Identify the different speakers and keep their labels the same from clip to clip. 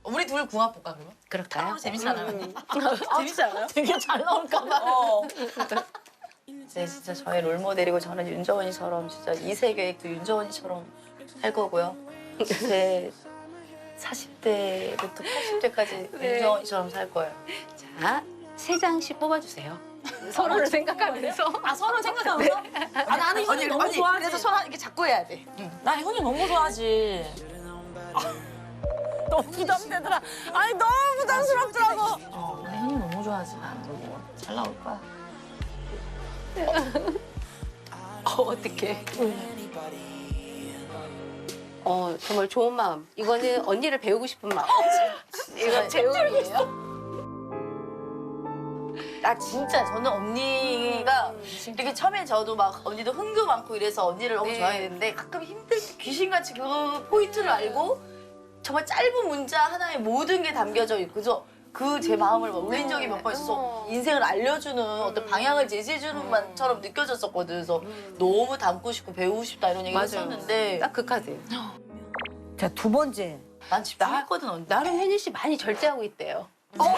Speaker 1: 우리 둘 궁합 볼까 그러면?
Speaker 2: 그럴까요?
Speaker 1: 재밌잖아요. 재밌지 않아요?
Speaker 2: 되게 잘 나올까 봐.
Speaker 1: 네, 진짜 저의 롤모델이고 저는 윤정원이처럼 진짜 2세 계획도 윤정원이처럼 할 거고요. 제 40대부터 80대까지
Speaker 2: 네.
Speaker 1: 윤정원이처럼 살 거예요.
Speaker 2: 자, 3장씩 뽑아주세요. 서로를 생각하면서.
Speaker 3: 아 서로 생각하면서? 아 나는 형이 너무 좋아하지.
Speaker 1: 그래서 손 이렇게 잡고 해야 돼.
Speaker 3: 나 형이 너무 좋아하지. 너무 부담되더라. 아니 너무 부담스럽더라고.
Speaker 1: 나 형이 너무 좋아하지. 난 너무 잘 나올 거야.
Speaker 2: 어떡해. 정말 좋은 마음. 이거는 언니를 배우고 싶은 마음. 이건 재웅이에요.
Speaker 1: 아 진짜 저는 언니가 이렇게 처음에 저도 막 언니도 흥도 많고 이래서 언니를 너무
Speaker 2: 네.
Speaker 1: 좋아했는데 가끔 힘들 때 귀신같이 그 포인트를 알고 정말 짧은 문자 하나에 모든 게 담겨져 있고 그 제 마음을 막 울린 적이 몇 번 있어서 인생을 알려주는 어떤 방향을 제시해주는 만처럼 느껴졌었거든. 그래서 너무 닮고 싶고 배우고 싶다 이런 얘기
Speaker 2: 맞아요.
Speaker 1: 했었는데
Speaker 2: 딱 그 카드.
Speaker 4: 자, 2번째.
Speaker 1: 난 집중했거든 언니.
Speaker 2: 나름 혜니 씨 많이 절제하고 있대요.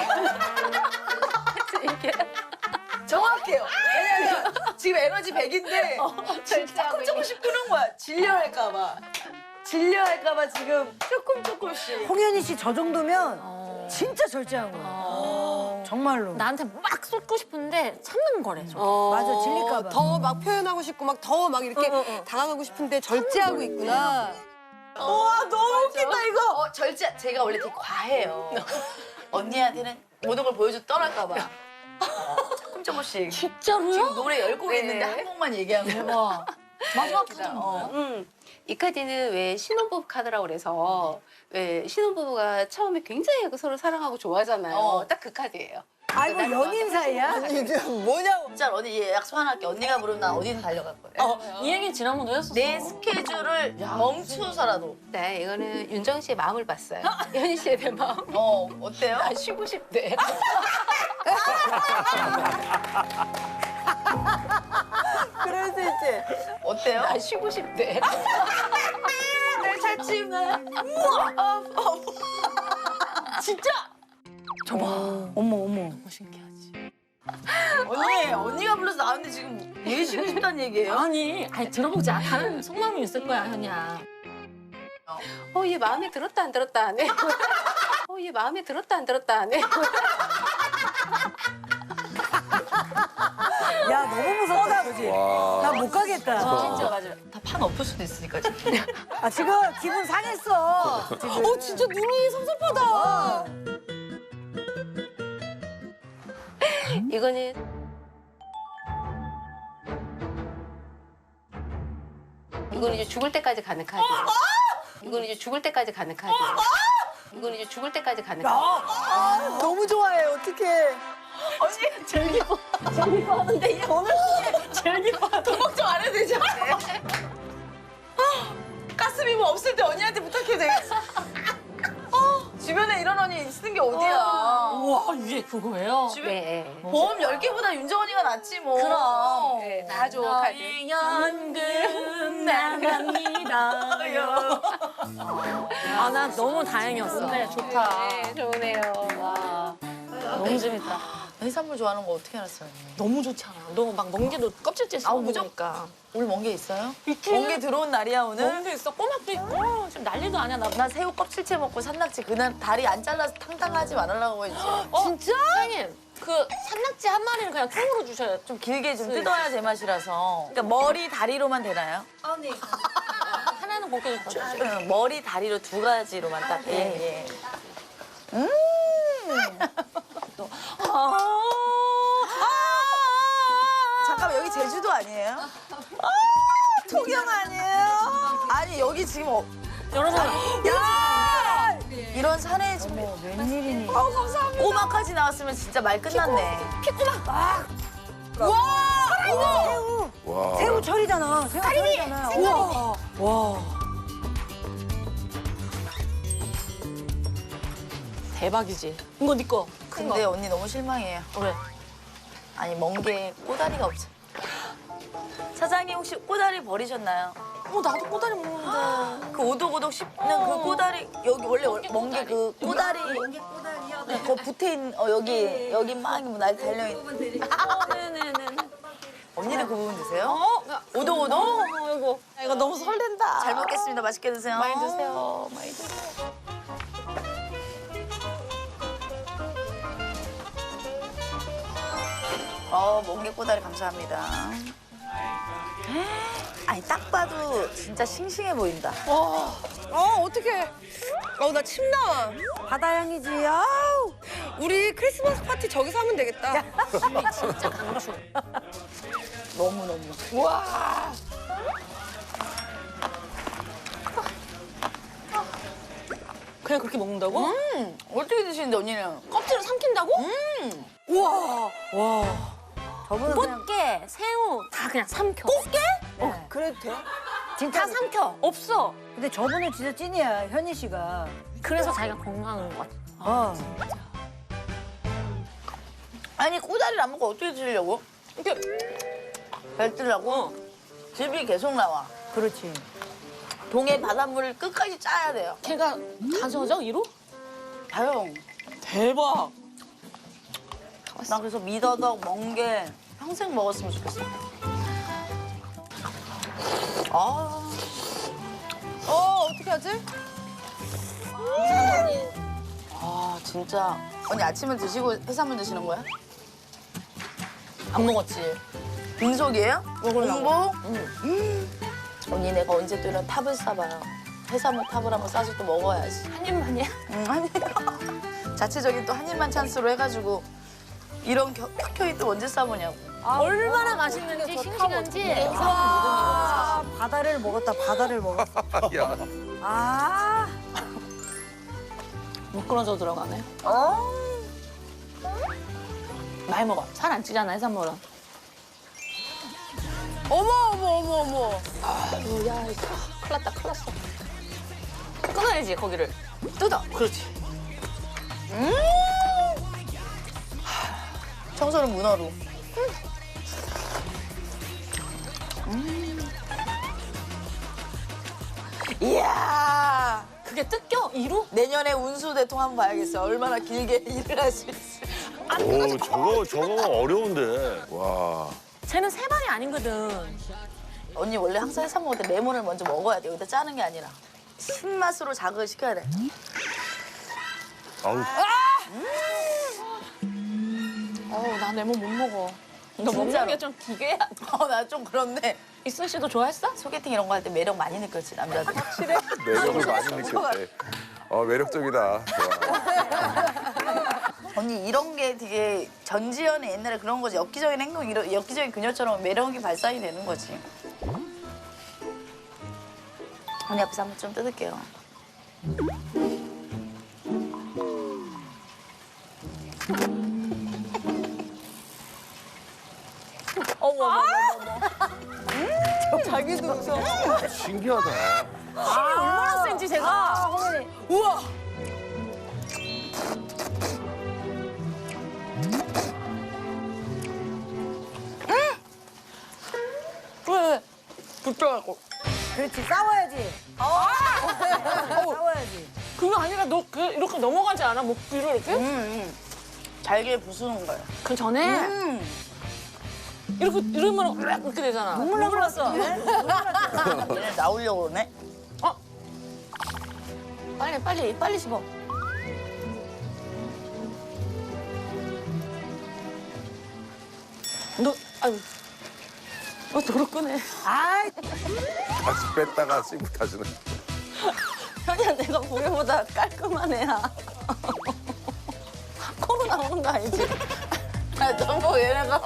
Speaker 2: 이게
Speaker 1: 정확해요. 왜냐면 지금 에너지 100인데
Speaker 2: 절제하고
Speaker 1: 조금씩 끄는 거야. 질려할까 봐. 질려할까 봐 지금 조금씩.
Speaker 4: 홍현희 씨 저 정도면 진짜 절제한 거야. 정말로.
Speaker 3: 나한테 막 쏟고 싶은데 참는 거래. 저.
Speaker 4: 맞아, 질릴까 봐.
Speaker 5: 더 막 표현하고 싶고 막 더 막 이렇게 당황하고 싶은데 절제하고 있구나.
Speaker 1: 와 너무 웃긴다 이거. 절제. 제가 원래 되게 과해요. 언니한테는 모든 걸 보여줘 떠날까 봐. 조금씩.
Speaker 3: 진짜로요?
Speaker 1: 지금 노래 10곡
Speaker 2: 네.
Speaker 1: 있는데 한 곡만 얘기한 거.
Speaker 3: 대박. 마지막 카드는 뭐야?
Speaker 2: 이 카드는 왜 신혼부부 카드라고 그래서 왜 신혼부부가 처음에 굉장히 서로 사랑하고 좋아하잖아요. 딱 그 카드예요.
Speaker 4: 아이고, 연인 사이야?
Speaker 1: 뭐냐고. 진짜 언니 얘 약속 하나 할게. 언니가 부르면 난 어디든 달려갈 거야.
Speaker 3: 이 얘기 지난번에 했었어.
Speaker 1: 내 스케줄을 멈추서라도.
Speaker 2: 네, 이거는 윤정 씨의 마음을 봤어요. 현희 씨에 대한 마음.
Speaker 1: 어때요?
Speaker 2: 나 쉬고 싶대.
Speaker 1: 그럴 수 있지. 어때요?
Speaker 2: 나 쉬고 싶대.
Speaker 1: 날 찾지만.
Speaker 3: 진짜? 저봐.
Speaker 4: 어머, 어머.
Speaker 3: 신기하지.
Speaker 1: 언니가 불러서 나왔는데 지금 얘 쉬고 싶다는 얘기예요?
Speaker 3: 아니 들어보자. 다른 속마음이 있을 거야 현이야.
Speaker 2: 얘 마음에 들었다 안 들었다 안 해. 얘 마음에 들었다 안 들었다 안 해.
Speaker 4: 야, 너무 무섭다, 그지? 나 못 가겠다.
Speaker 1: 진짜 맞아요. 다 판 엎을 수도 있으니까 지금.
Speaker 4: 아, 지금 기분 상했어. 지금.
Speaker 5: 진짜 눈이 섭섭하다.
Speaker 2: 이거는 이제 죽을 때까지 가는 카드. 이건 이제 죽을 때까지 가는 카드. 이건 이제 죽을 때까지 가는 카드.
Speaker 4: 너무 좋아해, 어떡해.
Speaker 1: 언니 제일 기뻐. 제일 기뻐하는데 얘 오늘 제일 기뻐. 돈 걱정 안 해도 되지 않아요? 가슴이 뭐 없을 때 언니한테 부탁해도 되겠어. 주변에 이런 언니 쓰는 게 어디야.
Speaker 3: 우와 이게 그거예요?
Speaker 1: 주변
Speaker 2: 네.
Speaker 1: 보험 10개보다 윤정언니가 낫지 뭐.
Speaker 3: 그럼.
Speaker 2: 네, 다 좋은 카드.
Speaker 3: 연금 나갑니다. 아 나 너무 다행이었어. 네 좋다.
Speaker 2: 네, 좋으네요. 와.
Speaker 3: 너무 재밌다.
Speaker 1: 해산물 좋아하는 거 어떻게 알았어요?
Speaker 3: 너무 좋잖아. 너 막 멍게도 껍질째 씹어
Speaker 1: 무조건.
Speaker 3: 먹으니까.
Speaker 1: 오늘 멍게 있어요?
Speaker 3: 있지.
Speaker 1: 멍게 들어온 날이야 오늘?
Speaker 3: 멍게 있어. 꼬막도 있고. 지금 난리도 아니야.
Speaker 1: 나 새우 껍질째 먹고 산낙지 그날 다리 안 잘라서 탕탕하지 말으려고 했지.
Speaker 3: 진짜? 사장님 그 산낙지 한 마리는 그냥 통으로 주셔야 좀
Speaker 1: 길게 좀 뜯어야 제맛이라서. 그러니까 머리 다리로만 되나요?
Speaker 3: 하나는 곱게 좀 줘.
Speaker 1: 머리 다리로 두 가지로만 딱. 예. 잠깐만 여기 제주도 아니에요? 통영 아니에요? 아니 여기 지금
Speaker 3: 여러분
Speaker 1: 이런 산에 지금
Speaker 4: 웬일이니.
Speaker 1: 감사합니다. 꼬막까지 나왔으면 진짜 말 끝났네.
Speaker 4: 새우 철이잖아. 새우 철이잖아. 우와. 와.
Speaker 3: 대박이지. 이거 네 거. 큰
Speaker 1: 근데
Speaker 3: 거.
Speaker 1: 언니 너무 실망해요.
Speaker 3: 왜?
Speaker 1: 아니 멍게 꼬다리가 없어. 사장님 혹시 꼬다리 버리셨나요?
Speaker 3: 나도 꼬다리 먹는데.
Speaker 1: 그 오독오독 씹는 그 꼬다리 여기 원래 멍게 그 꼬다리 그 붙어 있는 여기 막 날 달려 있는.
Speaker 3: 네네네.
Speaker 1: 언니는 그 부분 드세요? 오독오독.
Speaker 3: 이거. 이거 너무 설렌다.
Speaker 1: 잘 먹겠습니다. 맛있게 드세요.
Speaker 3: 많이 드세요. 많이 드세요.
Speaker 1: 멍게 꼬다리 감사합니다. 아니 딱 봐도 진짜 싱싱해 보인다.
Speaker 5: 어떡해. 나 침 나와.
Speaker 4: 바다향이지. 아우.
Speaker 5: 우리 크리스마스 파티 저기서 하면 되겠다.
Speaker 3: 진짜 강추.
Speaker 1: 너무너무.
Speaker 3: 와. 그냥 그렇게 먹는다고?
Speaker 1: 어떻게 드시는데 언니는?
Speaker 3: 껍질을 삼킨다고?
Speaker 5: 우와.
Speaker 4: 저분은 그냥
Speaker 3: 꽃게, 새우 다 그냥 삼켜. 꽃게?
Speaker 5: 그래도 돼?
Speaker 4: 진짜
Speaker 3: 다 삼켜. 없어.
Speaker 4: 근데 저분은 진짜 찐이야, 현희 씨가.
Speaker 3: 그래서 자기가 건강한 것 같아.
Speaker 4: 어.
Speaker 1: 아니 꼬다리를 안 먹고 어떻게 드시려고?
Speaker 3: 이렇게
Speaker 1: 뱉으려고? 즙이 계속 나와.
Speaker 4: 그렇지.
Speaker 1: 동해 바닷물을 끝까지 짜야 돼요.
Speaker 3: 걔가 다 젖어, 이로?
Speaker 1: 다영.
Speaker 3: 대박.
Speaker 1: 나 그래서 미더덕, 멍게 평생 먹었으면 좋겠어.
Speaker 5: 어떻게 하지?
Speaker 1: 진짜. 언니 아침을 드시고 해산물 드시는 거야?
Speaker 3: 안 먹었지.
Speaker 1: 빈속이에요?
Speaker 3: 먹으려고.
Speaker 1: 공복? 언니 내가 언제 또 이런 탑을 싸봐요. 해산물 탑을 한번 싸서 또 먹어야지.
Speaker 3: 한 입만이야?
Speaker 1: 자체적인 또 한 입만 찬스로 해가지고 이런 켜켜이 또 언제 싸보냐고.
Speaker 3: 얼마나 맛있는지, 싱싱한지.
Speaker 4: 아, 바다를 먹었다, 바다를 먹었어.
Speaker 6: 야.
Speaker 4: 아.
Speaker 3: 미끄러져 들어가네. 많이 먹어. 살 안 찌잖아, 해산물은.
Speaker 5: 어머.
Speaker 3: 야, 이거 큰일 났다, 큰일 났어. 끊어야지, 거기를.
Speaker 1: 뜯어.
Speaker 3: 그렇지.
Speaker 1: 청소는 문어로. 이야.
Speaker 3: 그게 뜯겨, 이로?
Speaker 1: 내년에 운수 대통 한번 봐야겠어요. 얼마나 길게 일을 할 수 있을지.
Speaker 6: 오, 저거 어려운데. 와.
Speaker 3: 쟤는 세 발이 아니거든.
Speaker 1: 언니 원래 항상 해산 먹을 때 레몬을 먼저 먹어야 돼. 여기다 짜는 게 아니라. 신맛으로 자극을 시켜야 돼.
Speaker 6: 아우.
Speaker 3: 나 레몬 못 먹어. 너 먹는
Speaker 1: 진짜로.
Speaker 3: 게 좀 기괴야.
Speaker 1: 나 좀 그런데
Speaker 3: 이순 씨도 좋아했어?
Speaker 1: 소개팅 이런 거 할 때 매력 많이 느꼈지, 남자들. 확실해?
Speaker 6: 매력을 많이 느꼈대. 매력적이다. 좋아.
Speaker 1: 언니 이런 게 되게 전지현의 옛날에 그런 거지. 엽기적인 행동, 이런 엽기적인 그녀처럼 매력이 발산이 되는 거지. 언니 앞에서 한번 좀 뜯을게요.
Speaker 5: 자기도 웃어.
Speaker 6: 신기하다.
Speaker 3: 얼마나 센지, 제가.
Speaker 5: 우와.
Speaker 3: 왜? 붙더라고.
Speaker 4: 그렇지, 싸워야지. 싸워야지.
Speaker 3: 그거 아니라 너 이렇게 넘어가지 않아? 목 뒤로 이렇게?
Speaker 1: 잘게 부수는 거예요.
Speaker 3: 그 전에 이렇게 이러면 이렇게 되잖아.
Speaker 4: 눈물 나버렸어.
Speaker 1: 얘네 나오려고 그러네.
Speaker 3: 빨리 씹어. 너 도로 끄네.
Speaker 4: 아이,
Speaker 6: 다시 뺐다가 씹고 다시는.
Speaker 3: 현이야, 내가 보기보다 깔끔한 애야. 코로 나오는 거 아니지?
Speaker 1: 너무 얘네가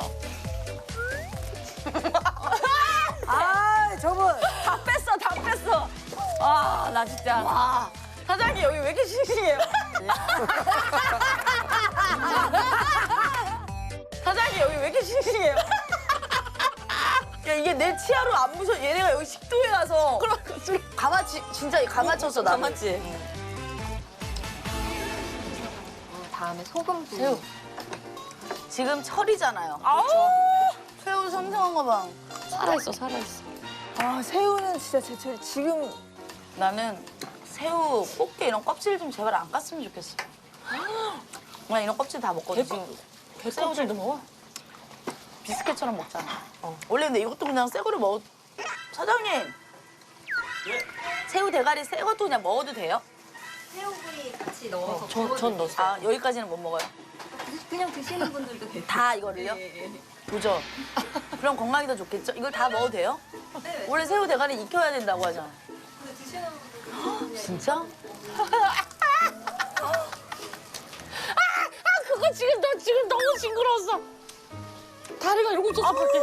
Speaker 4: 아, 저분.
Speaker 3: 다 뺐어. 아, 나 진짜.
Speaker 1: 사장님 여기 왜 이렇게 싱싱해요? 사장님 여기 왜 이렇게 싱싱해요? 야 이게 내 치아로 안 부서. 얘네가 여기 식도에 가서 가마치 진짜 가마쳤어 나.
Speaker 3: 가마치.
Speaker 2: 다음에 소금
Speaker 3: 새우.
Speaker 1: 지금 철이잖아요. 새우 섬성한 거 봐.
Speaker 3: 살아있어.
Speaker 4: 아 새우는 진짜 지금
Speaker 1: 나는 새우, 꽃게 이런 껍질 좀 제발 안 깠으면 좋겠어. 나 이런 껍질 다 먹거든. 지금
Speaker 3: 개껍질도 먹어?
Speaker 1: 비스켓처럼 먹잖아. 원래 근데 이것도 그냥 새 거를 먹어. 사장님. 새우 대가리 새 것도 그냥 먹어도 돼요?
Speaker 7: 새우구이 같이 넣어서
Speaker 3: 전 넣었어요.
Speaker 1: 아, 여기까지는 못 먹어요.
Speaker 7: 그냥 드시는 분들도 계세요.
Speaker 1: 다 이거를요? 도전. 그럼 건강이 더 좋겠죠? 이걸 다 먹어도 돼요?
Speaker 7: 네.
Speaker 1: 원래 새우 대가리 익혀야 된다고 하잖아.
Speaker 7: 근데 드시는 분들도
Speaker 1: 진짜?
Speaker 3: 그거 지금 너 지금 너무 징그러웠어. 다리가 이러고 있었어 밖에.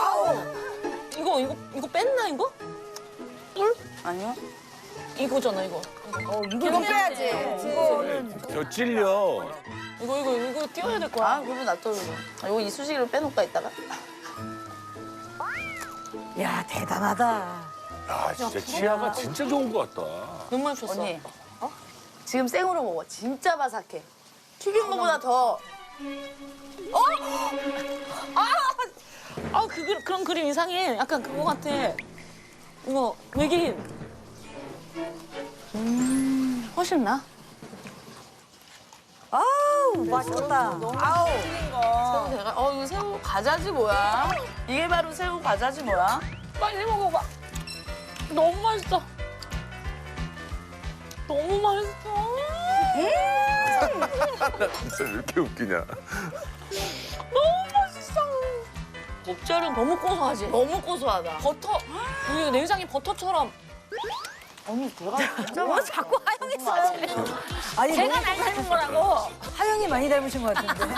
Speaker 3: 이거 뺐나 이거? 뿔?
Speaker 1: 아니요.
Speaker 3: 이거잖아 이거.
Speaker 4: 이거 빼야지.
Speaker 6: 저 찔려.
Speaker 3: 이거 띄워야 될 거야.
Speaker 1: 아, 그러면 놔둬. 이거 이쑤시개로 빼놓을까, 이따가?
Speaker 4: 야 대단하다.
Speaker 6: 야, 진짜 치아가 진짜 좋은 것 같다.
Speaker 3: 너무 맛있었어.
Speaker 1: 언니. 지금 생으로 먹어. 진짜 바삭해. 튀긴 거보다 더.
Speaker 3: 그런 그림 이상해. 약간 그거 같아. 이거 외계인. 훨씬 나?
Speaker 4: 아우 맛있겠다. 아우.
Speaker 1: 새우 대가리. 이거 새우 과자지 뭐야? 이게 바로 새우 과자지 뭐야?
Speaker 3: 빨리 먹어봐. 너무 맛있어. 너무 맛있어.
Speaker 6: 나 진짜 왜 이렇게 웃기냐.
Speaker 3: 너무 맛있어. 곱절은 너무 고소하지.
Speaker 1: 너무 고소하다.
Speaker 3: 버터. 이거 내장이 버터처럼.
Speaker 1: 언니 대가리 진짜 뭐 자꾸 하영이
Speaker 4: 아니
Speaker 3: 제가
Speaker 4: 너무
Speaker 3: 날 닮은 거라고.
Speaker 4: 하영이 많이 닮으신 것 같은데.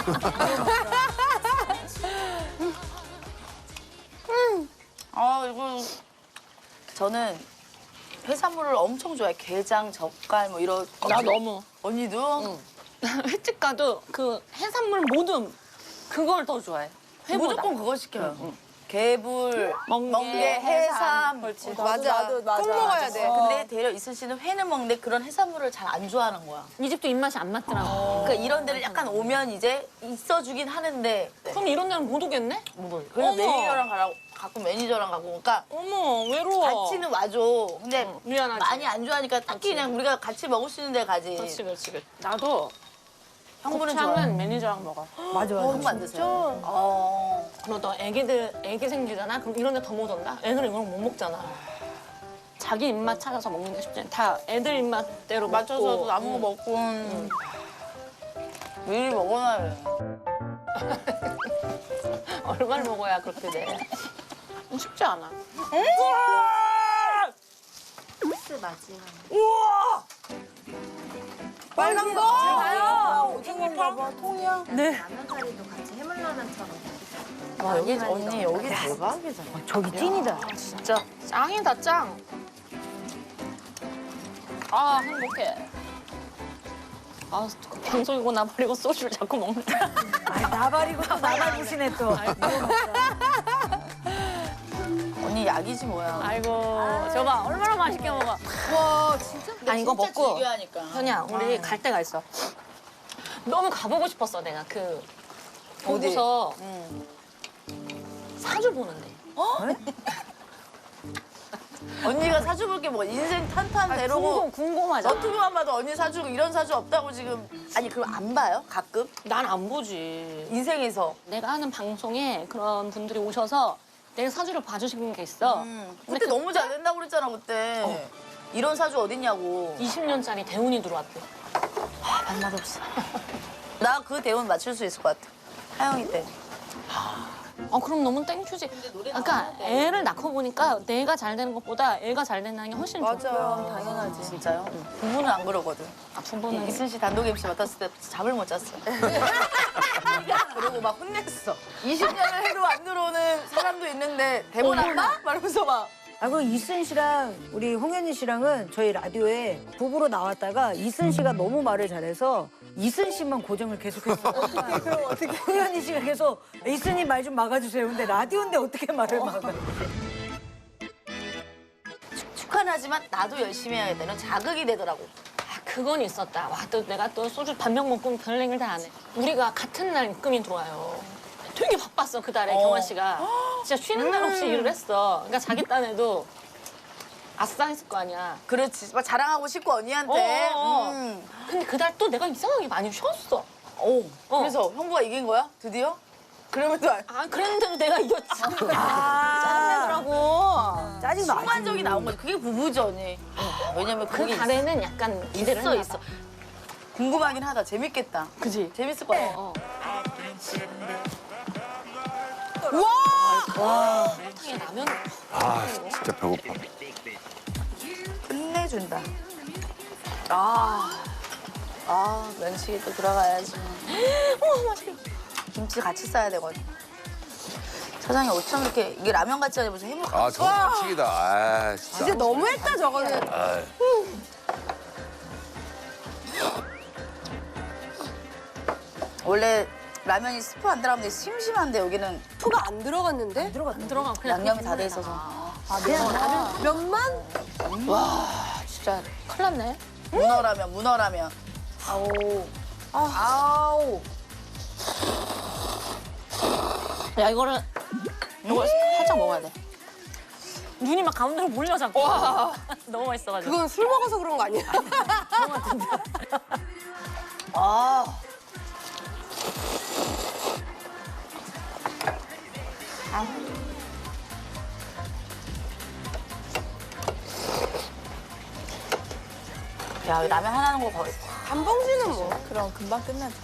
Speaker 1: 이거 저는 해산물을 엄청 좋아해. 게장, 젓갈 뭐 이런.
Speaker 3: 나 너무.
Speaker 1: 언니도?
Speaker 3: 횟집 가도 그 해산물 모듬 그걸 더 좋아해. 회보다.
Speaker 1: 무조건 그거 시켜요. 개불,
Speaker 3: 멍게,
Speaker 1: 멍게, 해삼.
Speaker 5: 맞아. 꼭 먹어야 돼.
Speaker 1: 근데 대려 이순 씨는 회는 먹는데 그런 해산물을 잘 안 좋아하는 거야.
Speaker 3: 이 집도 입맛이 안 맞더라고.
Speaker 1: 그러니까 이런 데를 약간 오면 이제 있어주긴 하는데
Speaker 3: 그럼 이런 데는 못 오겠네?
Speaker 1: 그래서
Speaker 3: 어머.
Speaker 1: 매니저랑 가라고 가끔 매니저랑 가고 그러니까
Speaker 3: 어머 외로워.
Speaker 1: 같이는 와줘. 근데
Speaker 3: 미안하지.
Speaker 1: 많이 안 좋아하니까 딱히 그냥 우리가 같이 먹을 수 있는 데 가지.
Speaker 3: 그렇지. 나도
Speaker 1: 형부는 좋아해.
Speaker 3: 곱창은 매니저랑 먹어.
Speaker 4: 맞아
Speaker 1: 형 만드세요.
Speaker 3: 그럼 너 애기 생기잖아? 그럼 이런 데 더 못 온다? 애들은 이런 거 못 먹잖아. 자기 입맛 찾아서 먹는 게 쉽지 않아. 다 애들 입맛대로
Speaker 1: 맞춰서
Speaker 3: 먹고.
Speaker 1: 남은 거 먹고 미리 먹어놔야 돼.
Speaker 3: 얼마를 먹어야 그렇게 돼? 쉽지 않아.
Speaker 7: 코스 마지막.
Speaker 5: 빨간 거.
Speaker 7: 라면 사리도 같이 해물라면처럼.
Speaker 1: 와 여기 언니 여기 대박이잖아.
Speaker 4: 저기 찐이다.
Speaker 3: 진짜 짱이다 짱. 아 행복해. 아 방송이고 나 버리고 소주를 자꾸 먹네.
Speaker 4: 아이, 나발이고 또 나발 부시네 또.
Speaker 1: 언니 약이지 뭐야.
Speaker 3: 아이고 저봐 얼마나 맛있게 먹어.
Speaker 5: 와 진짜.
Speaker 3: 난 이거
Speaker 1: 진짜
Speaker 3: 먹고
Speaker 1: 즐겨하니까.
Speaker 3: 현이야 우리 갈 데가 있어. 너무 가보고 싶었어 내가 그 보고서 사주 보는데.
Speaker 1: 언니가 사주볼 게 뭐 인생 탄탄대로고
Speaker 3: 궁금하잖아.
Speaker 1: 너튜브만 봐도 언니 사주고 이런 사주 없다고 지금. 아니 그럼 안 봐요? 가끔?
Speaker 3: 난 안 보지.
Speaker 1: 인생에서.
Speaker 3: 내가 하는 방송에 그런 분들이 오셔서 내 사주를 봐주시는 게 있어.
Speaker 1: 그때 너무 잘 된다고 그랬잖아 그때. 이런 사주 어딨냐고.
Speaker 3: 20년짜리 대운이 들어왔대.
Speaker 1: 반맛 없어. 나 그 대운 맞출 수 있을 것 같아. 하영이 때.
Speaker 3: 그럼 너무 땡큐지. 그러니까 애를 낳고 보니까 내가 잘 되는 것보다 애가 잘 된다는 게 훨씬 좋아.
Speaker 1: 당연하지. 진짜요? 부부는 안 그러거든.
Speaker 3: 부부는
Speaker 1: 이순 씨 단독 MC 맡았을 때 잠을 못 잤어. 그러고 막 혼냈어. 20년을 해도 안 들어오는 사람도 있는데 대본 안 봐? 말하면서 막.
Speaker 4: 아, 그 이순 씨랑 우리 홍현희 씨랑은 저희 라디오에 부부로 나왔다가 이순 씨가 너무 말을 잘해서 이순 씨만 고정을 계속했어요. 그럼 어떻게 홍현희 씨가 계속 이순이 말 좀 막아주세요. 근데 라디오인데 어떻게 말을 막아?
Speaker 1: 축하는 하지만 나도 열심히 해야 되는 자극이 되더라고.
Speaker 3: 그건 있었다. 와, 또 내가 또 소주 반병 먹고 별 얘기를 다 안 해. 우리가 같은 날 입금이 들어와요. 되게 바빴어, 그달에 경환 씨가. 진짜 쉬는 날 없이 일을 했어. 그러니까 자기 딴에도 아싸 했을 거 아니야.
Speaker 1: 그렇지. 막 자랑하고 싶고 언니한테.
Speaker 3: 근데 그날 또 내가 이상하게 많이 쉬었어.
Speaker 1: 그래서 형부가 이긴 거야? 드디어? 그러면서
Speaker 3: 아, 그랬는데도 내가 이겼지. 짜증나더라고.
Speaker 4: 짜증 나지.
Speaker 1: 순간적이 나온 거지. 그게 부부전이. 왜냐면
Speaker 3: 그
Speaker 1: 그게
Speaker 3: 달에는 약간 기대를
Speaker 1: 있어
Speaker 3: 했나
Speaker 1: 있어. 궁금하긴 하다. 재밌겠다.
Speaker 3: 그지?
Speaker 1: 재밌을 것 같아.
Speaker 3: 탕에 라면.
Speaker 6: 아, 진짜 배고파.
Speaker 1: 끝내준다. 면치기 또 들어가야지.
Speaker 3: 맛있겠다.
Speaker 1: 김치 같이 싸야 되거든. 사장님 어쩜 이렇게 이게 라면 같지 않아 무슨 해물
Speaker 6: 아, 저거 반칙이다. 아, 진짜.
Speaker 5: 진짜 너무했다 저거는.
Speaker 6: 아,
Speaker 1: 원래 라면이 스프 안 들어가면 되게 심심한데 여기는
Speaker 5: 푸가 안 들어갔는데?
Speaker 3: 안 들어가. 그냥
Speaker 1: 양념이 다 돼 있어서.
Speaker 5: 면만?
Speaker 3: 진짜 큰일 났네.
Speaker 1: 문어라면. 아우.
Speaker 3: 야, 이거 살짝 먹어야 돼. 눈이 막 가운데로 몰려 자꾸. 너무 맛있어가지고.
Speaker 5: 그건 술 먹어서 그런 거 아니야?
Speaker 1: 아. 야, 라면 하나 하는 거 거의.
Speaker 5: 한 봉지는 뭐.
Speaker 1: 그럼 금방 끝나지.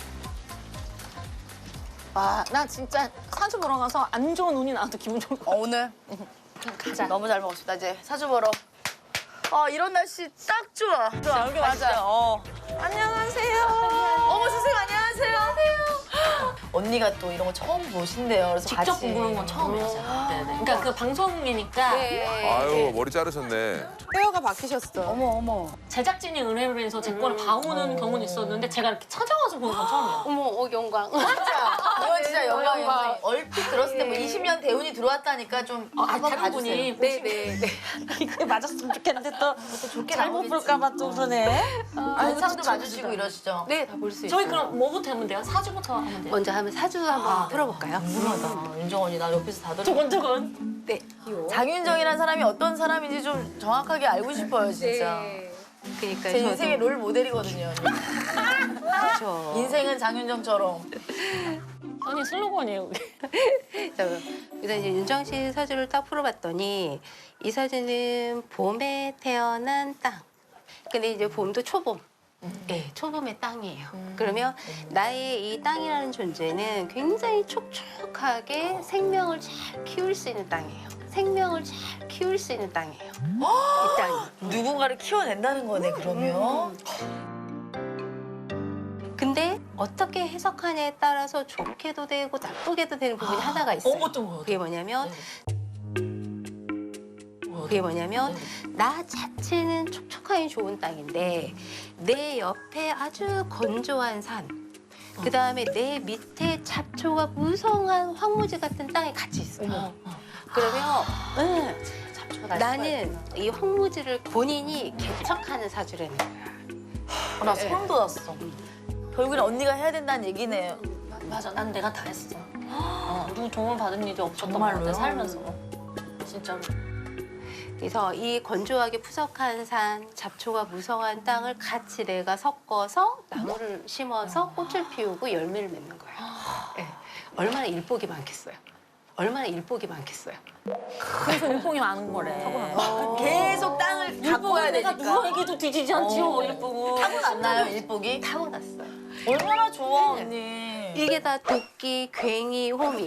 Speaker 3: 와, 나 진짜 사주 보러 가서 안 좋은 운이 나와도 기분 좋을 것 같아.
Speaker 1: 오늘
Speaker 3: 가자.
Speaker 1: 너무 잘 먹었습니다. 이제 사주 보러. 이런 날씨 딱 좋아.
Speaker 3: 여기
Speaker 1: 맞아.
Speaker 3: 안녕하세요.
Speaker 1: 어머 선생님 안녕하세요. 언니가 또 이런 거 처음 보신대요. 그래서
Speaker 3: 직접
Speaker 1: 같이.
Speaker 3: 공부한 건 처음이야, 제가. 네네. 그러니까 그 방송이니까
Speaker 6: 아유, 머리 자르셨네.
Speaker 5: 헤어가 바뀌셨어.
Speaker 1: 어머.
Speaker 3: 제작진이 은혜를 해서 제 거를 봐오는 경우는 있었는데 제가 이렇게 찾아와서 보는 건 처음이야.
Speaker 2: 어머, 영광.
Speaker 1: 이건 진짜 영광이에요. 얼핏 들었을 때 뭐 20년 대운이 들어왔다니까 좀 한번
Speaker 3: 다른
Speaker 1: 봐주세요.
Speaker 3: 분이
Speaker 2: 네네.
Speaker 3: 이게 맞았으면 좋겠는데 또
Speaker 1: 좋게
Speaker 3: 잘못
Speaker 1: 나오겠지.
Speaker 3: 볼까봐 또 그러네.
Speaker 1: 한상도 봐주시고 이러시죠.
Speaker 2: 네, 다 볼 수 있어요.
Speaker 3: 저희 그럼 뭐부터 하면 돼요? 사주부터 하면 돼요?
Speaker 2: 먼저 하면 사주 한번 풀어볼까요?
Speaker 1: 궁금하다. 윤정 언니 나 옆에서 다 들어.
Speaker 3: 두근두근.
Speaker 2: 네.
Speaker 1: 장윤정이라는 사람이 어떤 사람인지 좀 정확하게 알고 싶어요 진짜.
Speaker 2: 그러니까
Speaker 1: 제
Speaker 2: 저도-
Speaker 1: 인생의 롤 모델이거든요.
Speaker 2: 그렇죠.
Speaker 1: 인생은 장윤정처럼.
Speaker 3: 아니 슬로건이에요.
Speaker 2: 자, 일단 이제 윤정 씨 사주를 딱 풀어봤더니 이 사주는 봄에 태어난 땅. 근데 이제 봄도 초봄. 네, 초봄의 땅이에요. 그러면 나의 이 땅이라는 존재는 굉장히 촉촉하게 생명을 잘 키울 수 있는 땅이에요. 생명을 잘 키울 수 있는 땅이에요. 이 땅이.
Speaker 1: 누군가를 키워낸다는 거네 그러면.
Speaker 2: 근데 어떻게 해석하냐에 따라서 좋게도 되고 나쁘게도 되는 부분이 하나가 있어요.
Speaker 3: 어떤 거요?
Speaker 2: 그게 뭐냐면 나 자체는 촉촉하니 좋은 땅인데 내 옆에 아주 건조한 산, 그 다음에 내 밑에 잡초가 무성한 황무지 같은 땅에 같이 있어요. 그러면 나는 이 황무지를 본인이 개척하는 사주라는 거야.
Speaker 1: 나 소름 돋았어. 결국엔 언니가 해야 된다는 얘기네요.
Speaker 3: 맞아, 난 내가 다 했어. 누구 도움 받은 일이 없었던 것
Speaker 1: 정말로요?
Speaker 3: 같아, 살면서. 진짜로.
Speaker 2: 그래서 이 건조하게 푸석한 산, 잡초가 무성한 땅을 같이 내가 섞어서 나무를 심어서 꽃을 피우고 열매를 맺는 거예요. 네. 얼마나 일복이 많겠어요. 얼마나 일복이 많겠어요.
Speaker 3: 그래서 일봉이 많은 거래.
Speaker 1: 계속 땅을 갖고 와야
Speaker 3: 내가
Speaker 1: 되니까.
Speaker 3: 누구에게도 뒤지지 않지요, 일봉은.
Speaker 1: 타고났나요 일복이?
Speaker 2: 타고났어요.
Speaker 1: 얼마나 좋아 언니.
Speaker 2: 이게 다 도끼, 괭이, 호미.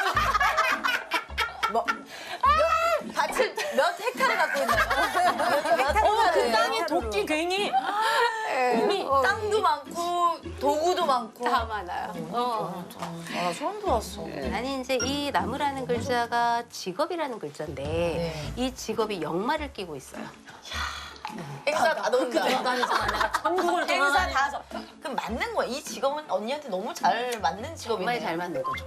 Speaker 1: 밭을 몇 헥타르 갖고 있나요?
Speaker 3: 어머, 그 땅에 도끼 괭이.
Speaker 1: 땅도 많고 도구도 많고.
Speaker 2: 다 많아요.
Speaker 1: 나 소름 돋았어.
Speaker 2: 아니 이제 이 나무라는 글자가 직업이라는 글자인데
Speaker 1: 네.
Speaker 2: 이 직업이 역마를 끼고 있어요.
Speaker 1: 행사 다 넣는다.
Speaker 3: 다니잖아, 내가 전국을
Speaker 1: 행사
Speaker 3: 돌아다니면서.
Speaker 1: 다. 그럼 맞는 거야. 이 직업은 언니한테 너무 잘 맞는 직업이네.
Speaker 2: 정말 잘 맞는 거죠.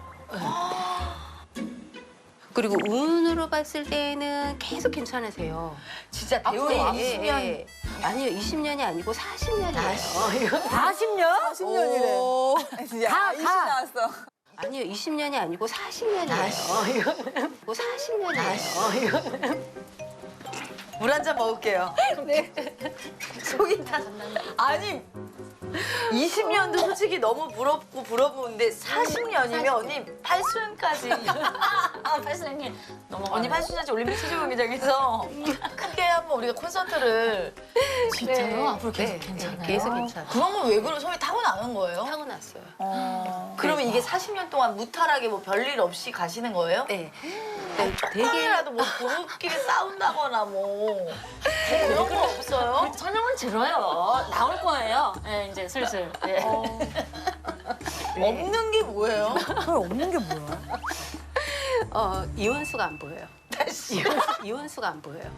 Speaker 2: 그리고 운으로 봤을 때는 계속 괜찮으세요.
Speaker 1: 진짜 대우를
Speaker 2: 예,
Speaker 1: 20년.
Speaker 2: 예. 아니요, 20년이 아니고 40년이에요.
Speaker 4: 40년?
Speaker 5: 10년이래.
Speaker 4: 다, 다.
Speaker 2: 아니요, 20년이 아니고 40년이에요. 이거는 40년이에요. 이거는.
Speaker 1: 물 한 잔 먹을게요. 네. 속이 다. 아니, 20년도 솔직히 너무 부럽고 부러운데 40년이면 언니 8수년까지.
Speaker 3: 아, 발사님 넘어가.
Speaker 1: 언니 8수년까지 올림픽 체조 경기장에서 크게 한번 우리가 콘서트를.
Speaker 3: 진짜요? 앞으로 계속
Speaker 2: 네,
Speaker 3: 괜찮아요?
Speaker 2: 네, 계속 괜찮아요.
Speaker 1: 그런 건 왜 그런 소리 타고 나는 거예요?
Speaker 2: 타고났어요.
Speaker 1: 그러면 이게 40년 동안 무탈하게 뭐 별일 없이 가시는 거예요?
Speaker 2: 네. 네, 되게
Speaker 1: 조금이라도 뭐 부부끼리 싸운다거나 뭐 그런 거 없어요?
Speaker 3: 설명은 들어요. 나올 거예요. 네, 이제 슬슬. 네.
Speaker 1: 없는 게 뭐예요?
Speaker 4: 그게 없는 게 뭐야?
Speaker 2: 이혼수가 안 보여요. 이혼수가 안 보여요.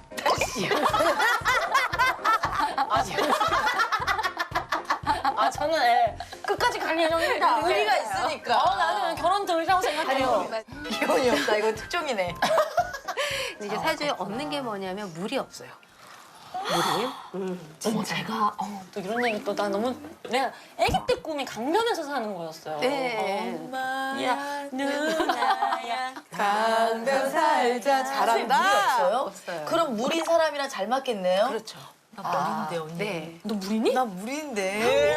Speaker 3: 아, 저는 예, 끝까지 갈 예정입니다.
Speaker 1: 의리가
Speaker 3: 네.
Speaker 1: 있으니까.
Speaker 3: 나는 결혼 들이라고 생각해요.
Speaker 1: 기혼이 없다. 이거 특종이네.
Speaker 2: 근데 이제 사주에 없는 게 뭐냐면 물이 없어요. 물이.
Speaker 3: 어머, 제가 또 이런 얘기 또 나 너무 내가 아기 때 꿈이 강변에서 사는 거였어요.
Speaker 2: 네.
Speaker 3: 야, 누나야.
Speaker 5: 강변 살자.
Speaker 1: 물이
Speaker 5: 잘한다.
Speaker 1: 없어요?
Speaker 2: 없어요.
Speaker 1: 그럼 물인 사람이랑 잘 맞겠네요?
Speaker 2: 그렇죠.
Speaker 1: 나 물인데 언니.
Speaker 2: 네.
Speaker 3: 너 물이니?
Speaker 1: 나 물인데.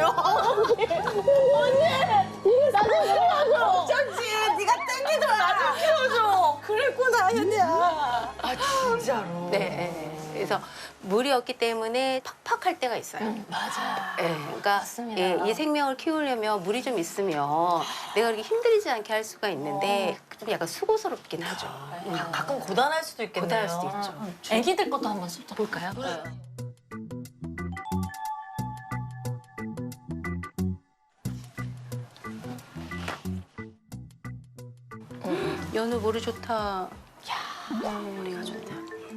Speaker 5: 어쩐지 네가 땡기더라. 나좀 키워줘. 그랬구나 현이야.
Speaker 1: 아 진짜로.
Speaker 2: 네. 그래서 물이 없기 때문에 팍팍할 때가 있어요.
Speaker 3: 맞아요.
Speaker 2: 네, 그러니까
Speaker 3: 맞습니다.
Speaker 2: 예, 이 생명을 키우려면 물이 좀 있으면 내가 그렇게 힘들이지 않게 할 수가 있는데 좀 약간 수고스럽긴 하죠.
Speaker 1: 가끔 고단할 수도 있겠네요.
Speaker 2: 고단할 수도 있죠.
Speaker 3: 아기들 것도 한번 슬쩍 볼까요?
Speaker 2: 연우 머리 좋다. 머리가 좋다.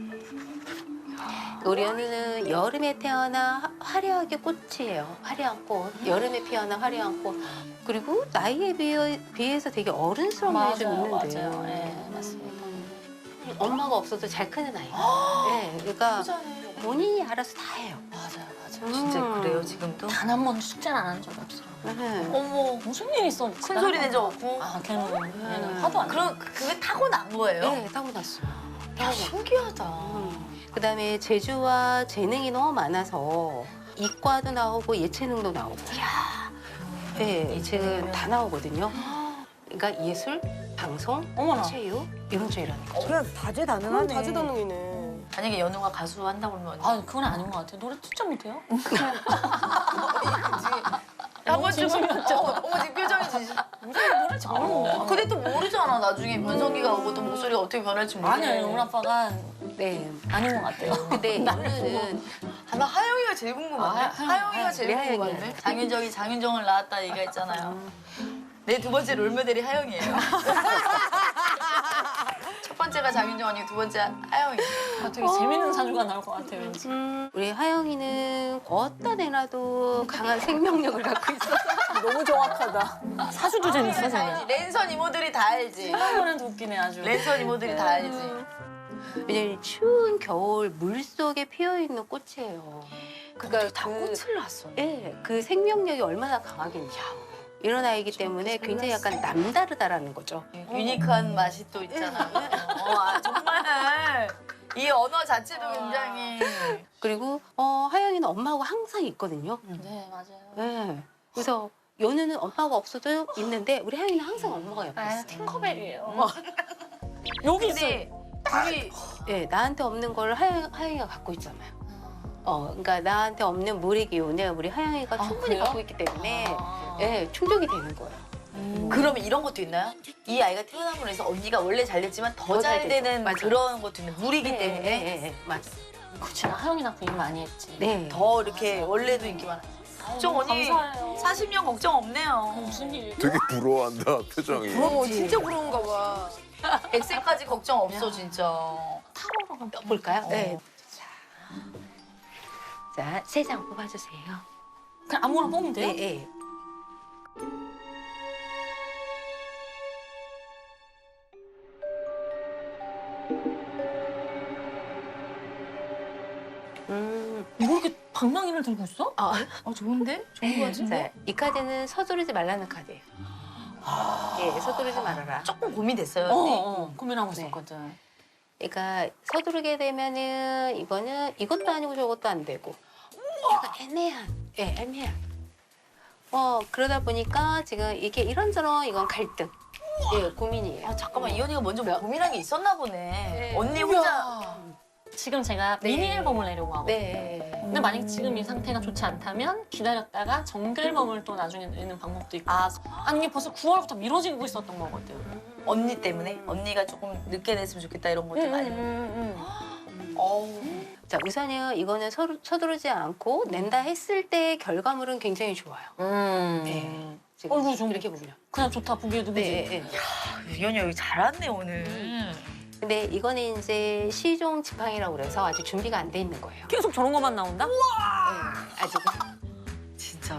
Speaker 2: 우리 연우는 여름에 태어나 화려하게 꽃이에요. 화려한 꽃. 여름에 피어나 화려한 꽃. 그리고 나이에 비해서 되게 어른스러운 면이 좀 있는데.
Speaker 3: 맞아요. 네, 맞습니다.
Speaker 2: 엄마가 없어도 잘 크는 아이. 네, 그러니까 본인이 알아서 다 해요.
Speaker 3: 맞아요, 맞아요.
Speaker 1: 진짜 그래요 지금도?
Speaker 3: 단 한 번도 숙제를 안 한 적이 없어요.
Speaker 2: 네.
Speaker 1: 어머.
Speaker 3: 무슨 일 있어?
Speaker 1: 큰 소리 낸 적 없고?
Speaker 3: 아, 걔는 화도 안 내.
Speaker 1: 그럼 그게 타고난 거예요?
Speaker 2: 네, 타고났어요.
Speaker 1: 야, 신기하다.
Speaker 2: 그다음에 재주와 재능이 너무 많아서 이과도 나오고 예체능도 나오고. 네, 지금 다 나오거든요. 그러니까 예술, 방송,
Speaker 3: 어머나.
Speaker 2: 체육 이런 쪽이라는 거.
Speaker 4: 그냥 다재다능하네.
Speaker 5: 다재다능이네.
Speaker 1: 만약에 연우가 가수 한다고 그러면
Speaker 3: 아, 그건 아닌 것 같아요. 노래 진짜 못해요?
Speaker 1: 한번 좀
Speaker 3: 진심이었죠?
Speaker 1: 어머 지금 표정이 진심.
Speaker 3: 노래 잘 부르는데.
Speaker 1: 근데 또 모르잖아 나중에 변성기가 오고 또 목소리가 어떻게 변할지 모르.
Speaker 3: 아니요, 우리 아빠가
Speaker 2: 네.
Speaker 3: 아닌 것 같아요.
Speaker 2: 근데 연우는
Speaker 1: 나 하영이가 제일 궁금한데.
Speaker 3: 아,
Speaker 1: 하영이가 제일
Speaker 2: 네,
Speaker 1: 궁금한데.
Speaker 2: 하영이야.
Speaker 1: 장윤정이 장윤정을 낳았다 얘기가 있잖아요. 내 두 번째 롤모델이 하영이에요. 첫 번째가 장윤정 언니, 두 번째 하영이.
Speaker 3: 되게 재밌는 사주가 나올 것 같아요, 왠지.
Speaker 2: 우리 하영이는 어디다 내놔도 강한 생명력을 갖고 있어서
Speaker 5: 너무 정확하다.
Speaker 3: 사주도 재밌어,
Speaker 1: 알지.
Speaker 3: 저는.
Speaker 1: 랜선 이모들이 다 알지.
Speaker 3: 이번엔 웃기네, 아주.
Speaker 1: 랜선 이모들이 다 알지.
Speaker 2: 왜냐면 추운 겨울 물 속에 피어 있는 꽃이에요. 그러니까
Speaker 1: 다 꽃을 낳았어.
Speaker 2: 예, 그 생명력이 얼마나 강하겠냐. 이런 아이기 때문에 굉장히 약간 남다르다라는 거죠.
Speaker 1: 유니크한 맛이 또 있잖아. 정말 이 언어 자체도 굉장히.
Speaker 2: 그리고 하영이는 엄마하고 항상 있거든요.
Speaker 3: 네, 맞아요.
Speaker 2: 네. 그래서 연우는 엄마가 없어도 있는데 우리 하영이는 항상 엄마가 옆에 있어요.
Speaker 3: 팅커벨이에요. 여기 있어요.
Speaker 1: 근데 둘이
Speaker 2: 예, 나한테 없는 걸 하영이가 갖고 있잖아요. 그러니까 나한테 없는 물의 기운을 우리 하영이가 충분히
Speaker 3: 그래요?
Speaker 2: 갖고 있기 때문에
Speaker 3: 아.
Speaker 2: 예, 충족이 되는 거예요.
Speaker 1: 그러면 이런 것도 있나요? 이 아이가 태어남으로 해서 언니가 원래 잘 됐지만 더 잘
Speaker 2: 되죠.
Speaker 1: 되는
Speaker 2: 맞아요.
Speaker 1: 그런 것도 있는 물이기
Speaker 2: 네,
Speaker 1: 때문에
Speaker 2: 네, 네, 맞아.
Speaker 3: 그치, 나 하영이나 그 일 많이 했지.
Speaker 2: 네.
Speaker 1: 더 이렇게 원래도 인기 많아. 걱정 언니
Speaker 3: 감사해요.
Speaker 1: 40년 걱정 없네요.
Speaker 3: 무슨 일?
Speaker 6: 되게 부러워한다 표정이.
Speaker 5: 진짜 부러운가 봐.
Speaker 1: 100세까지 걱정 없어 진짜.
Speaker 3: 타로로 가면
Speaker 2: 볼까요? 네. 자, 3장 뽑아주세요.
Speaker 3: 그냥 아무거나 뽑으면 돼요?
Speaker 2: 네, 네.
Speaker 3: 뭐 이렇게 방망이를 들고 있어?
Speaker 1: 좋은데? 좋은 거 같은데?
Speaker 2: 자, 이 카드는 서두르지 말라는 카드예요. 예, 서두르지 말아라.
Speaker 1: 조금 고민됐어요. 언니.
Speaker 3: 고민하고
Speaker 2: 네.
Speaker 3: 있었거든.
Speaker 2: 그러니까 서두르게 되면은 이거는 이것도 아니고 저것도 안 되고 약간 애매한. 그러다 보니까 지금 이게 이런저런 이건 갈등. 예, 고민이에요.
Speaker 1: 아, 잠깐만 이 언니가 먼저 고민한 게 있었나 보네.
Speaker 2: 네.
Speaker 1: 언니 혼자
Speaker 3: 지금 제가
Speaker 2: 네.
Speaker 3: 미니 앨범을 내려고 하거든요.
Speaker 2: 네.
Speaker 3: 근데 만약 지금 이 상태가 좋지 않다면 기다렸다가 정규 앨범을 또 나중에 내는 방법도 있고.
Speaker 1: 아
Speaker 3: 아니 이게 벌써 9월부터 미뤄지고 있었던 거거든.
Speaker 1: 언니 때문에 언니가 조금 늦게 냈으면 좋겠다 이런 것들 많이.
Speaker 2: 자, 우선은 이거는 서두르지 않고 낸다 했을 때 결과물은 굉장히 좋아요. 네. 지금
Speaker 3: 어이구, 좀
Speaker 2: 이렇게 보면.
Speaker 3: 그냥 좋다 보기에도 그지.
Speaker 2: 네.
Speaker 1: 이 언니 여기 잘왔네 오늘.
Speaker 2: 근데 이거는 이제 시종 지팡이라고 그래서 아직 준비가 안 돼 있는 거예요.
Speaker 3: 계속 저런 것만 나온다?
Speaker 2: 네, 아직은.
Speaker 1: 진짜로?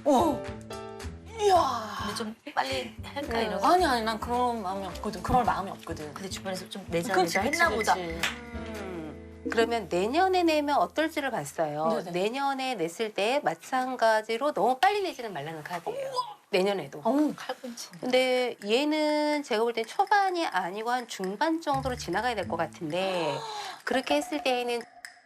Speaker 3: 이야.
Speaker 1: 근데 좀 빨리 할까 이런.
Speaker 3: 아니 난 그런 마음이 없거든. 그럴 마음이 없거든.
Speaker 1: 근데 주변에서 좀 내자
Speaker 3: 그치,
Speaker 1: 내자
Speaker 3: 그치,
Speaker 1: 했나 보다.
Speaker 3: 그치.
Speaker 2: 그러면 내년에 내면 어떨지를 봤어요.
Speaker 3: 네네.
Speaker 2: 내년에 냈을 때 마찬가지로 너무 빨리 내지는 말라는 카드예요. 내년에도.
Speaker 1: 칼꿈치.
Speaker 2: 근데 얘는 제가 볼 땐 초반이 아니고 한 중반 정도로 지나가야 될 것 같은데 그렇게 했을 때에는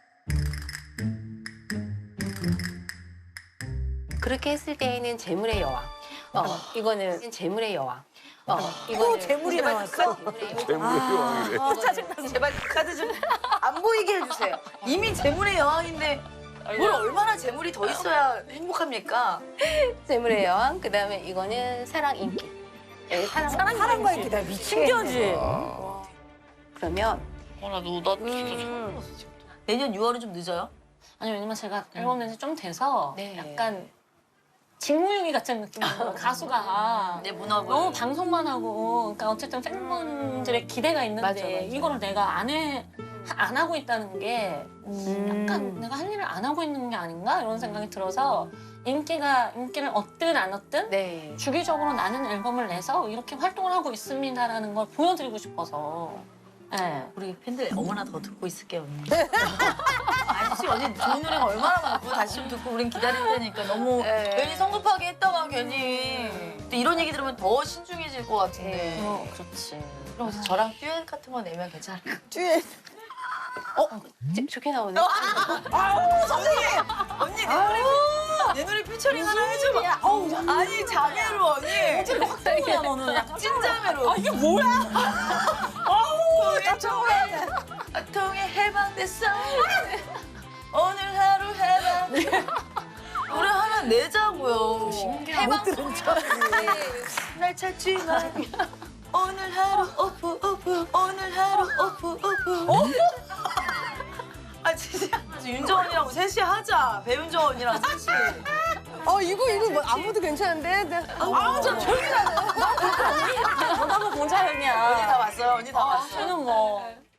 Speaker 2: 재물의 여왕. 이거는 재물의 여왕. 이거는
Speaker 4: 재물이 나왔어?
Speaker 6: 재물의 왕이래.
Speaker 1: 제발 카드 좀 안 보이게 해주세요. 이미 재물의 여왕인데 뭘 얼마나 재물이 더 있어야 행복합니까?
Speaker 2: 재물의 여왕. 그다음에 이거는 사랑 인기. 예,
Speaker 4: 사랑과 인기 나 미친
Speaker 3: 신기하지?
Speaker 2: 그러면
Speaker 1: 나도 진짜 내년 6월은 좀 늦어요?
Speaker 3: 아니 왜냐면 제가 앨범 낸지 좀 돼서
Speaker 2: 네.
Speaker 3: 약간 직무유기 같은 느낌이에요. 가수가
Speaker 1: 내 문화고.
Speaker 3: 너무 방송만 하고 그러니까 어쨌든 팬분들의 기대가 있는데
Speaker 2: 맞아.
Speaker 3: 이거를 내가 안 하고 있다는 게 약간 내가 할 일을 안 하고 있는 게 아닌가 이런 생각이 들어서 인기를 얻든 안 얻든
Speaker 2: 네.
Speaker 3: 주기적으로 나는 앨범을 내서 이렇게 활동을 하고 있습니다라는 걸 보여드리고 싶어서. 네.
Speaker 1: 우리 팬들 어머나 더 듣고 있을게요 언니. 아니지 언니 좋은 노래가 얼마나 많고 다시 좀 듣고 우린 기다릴 테니까 너무
Speaker 2: 네.
Speaker 1: 괜히 성급하게 했다가 괜히 근데 이런 얘기 들으면 더 신중해질 것 같은데.
Speaker 3: 그렇지.
Speaker 1: 그럼 저랑 듀엣 같은 거 내면 괜찮을까?
Speaker 5: 듀엣.
Speaker 2: 좋게 나오네.
Speaker 1: 선생님! 언니 내 노래 피처링 하나 해줘봐. 아니 자매로 언니.
Speaker 3: 확정이야 너는. 약간
Speaker 1: 찐자매로.
Speaker 3: 아 이게 뭐야?
Speaker 1: 통에 해방됐어. 오늘 하루 해방. 노래 하나 내자고요. 해방 날 찾지 마. 오늘 하루 오프. 오늘 하루 오프. 아 진짜 윤정 언니랑 셋이 하자. 배윤정 언니랑 셋이.
Speaker 5: 이거 뭐 아무도 괜찮은데?
Speaker 1: 좀 조용히 하네.
Speaker 3: 너무 공자형이야.
Speaker 1: 언니 다 왔어요. 언니 다 왔어.
Speaker 3: 저는 뭐